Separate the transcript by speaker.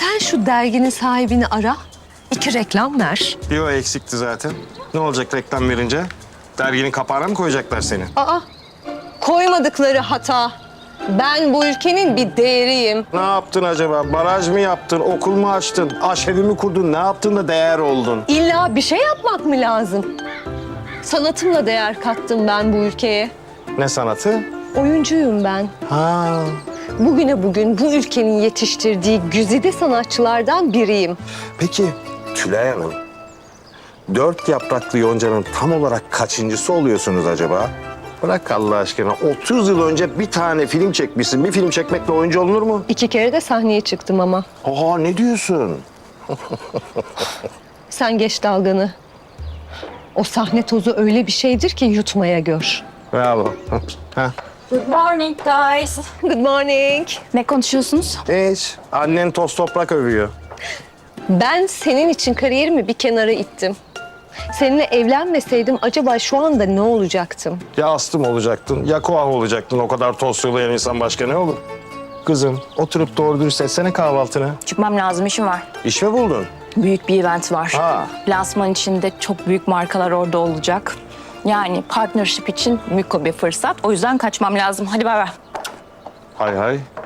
Speaker 1: Sen şu derginin sahibini ara. 2 reklam ver.
Speaker 2: Bir o eksikti zaten. Ne olacak reklam verince? Derginin kapağına mı koyacaklar seni?
Speaker 1: Aa, koymadıkları hata. Ben bu ülkenin bir değeriyim.
Speaker 2: Ne yaptın acaba? Baraj mı yaptın? Okul mu açtın? Aşevi mi kurdun? Ne yaptın da değer oldun?
Speaker 1: İlla bir şey yapmak mı lazım? Sanatımla değer kattım ben bu ülkeye.
Speaker 2: Ne sanatı?
Speaker 1: Oyuncuyum ben.
Speaker 2: Ha.
Speaker 1: Bugüne bugün bu ülkenin yetiştirdiği güzide sanatçılardan biriyim.
Speaker 2: Peki Tülay Hanım, 4 yapraklı yoncanın tam olarak kaçıncısı oluyorsunuz acaba? Bırak Allah aşkına. 30 yıl önce bir tane film çekmişsin. Bir film çekmekle oyuncu olunur mu?
Speaker 1: 2 kere de sahneye çıktım ama.
Speaker 2: Aa, ne diyorsun?
Speaker 1: Sen geç dalganı. O sahne tozu öyle bir şeydir ki yutmaya gör.
Speaker 2: Bravo. Ha.
Speaker 3: Good morning guys.
Speaker 1: Good morning.
Speaker 3: Ne konuşuyorsunuz?
Speaker 2: Hiç. Annen toz toprak övüyor.
Speaker 1: Ben senin için kariyerimi bir kenara ittim. Seninle evlenmeseydim acaba şu anda ne olacaktım?
Speaker 2: Ya astım olacaktın, ya koah olacaktın. O kadar toz sulayan insan başka ne olur? Kızım, oturup doğru dürüst etsene kahvaltını.
Speaker 3: Çıkmam lazım, işim var.
Speaker 2: İş mi buldun?
Speaker 3: Büyük bir event var.
Speaker 2: Ha.
Speaker 3: Lansman içinde çok büyük markalar orada olacak. Yani partnership için mükemmel bir fırsat. O yüzden kaçmam lazım. Hadi bay bay.
Speaker 2: Hay hay.